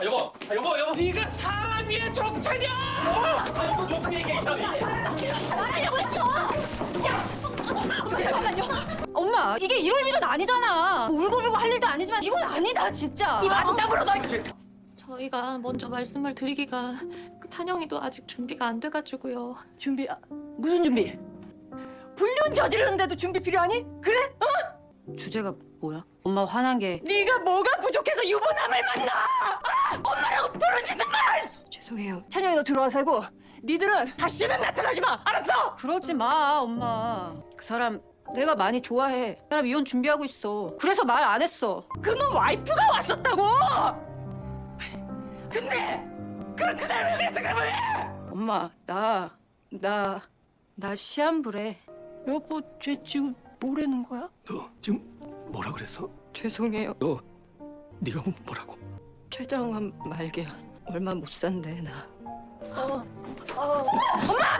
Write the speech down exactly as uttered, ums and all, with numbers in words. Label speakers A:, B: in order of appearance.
A: 아, 여보, 아, 여보, 여보. 네가 사람이야 정차냐? 아, 이거 어떻게 얘기해, 사람이?
B: 말하려고 했어! 잠깐만요. 엄마, 이게 이럴 일은 아니잖아. 울고불고 할 일도 아니지만 이건 아니다, 진짜. 이 만담으로 너...
C: 저희가 먼저 말씀을 드리기가 그 찬영이도 아직 준비가 안 돼가지고요.
B: 준비, 아, 무슨 준비? 불륜 저지르는데도 준비 필요하니? 그래? 어? 주제가 뭐야? 엄마 화난 게 네가 뭐가 부족해서 유부남을 만나! 아! 엄마라고 부르지도 마!
C: 죄송해요.
B: 찬영이 너 들어와 살고 니들은 다시는 나타나지 마! 알았어? 그러지 마, 엄마. 그 사람 내가 많이 좋아해. 그 사람 이혼 준비하고 있어. 그래서 말 안 했어. 그놈 와이프가 왔었다고! 근데 그런 그날 왜 그랬어, 그러면 왜? 엄마, 나, 나, 나 시한부래. 여보, 쟤 지금 뭐라는 거야?
D: 너 지금 뭐라 그랬어?
B: 죄송해요.
D: 너 네가 뭐라고?
B: 최장암 말기야. 얼마 못 산대, 나. 어, 어. 엄마!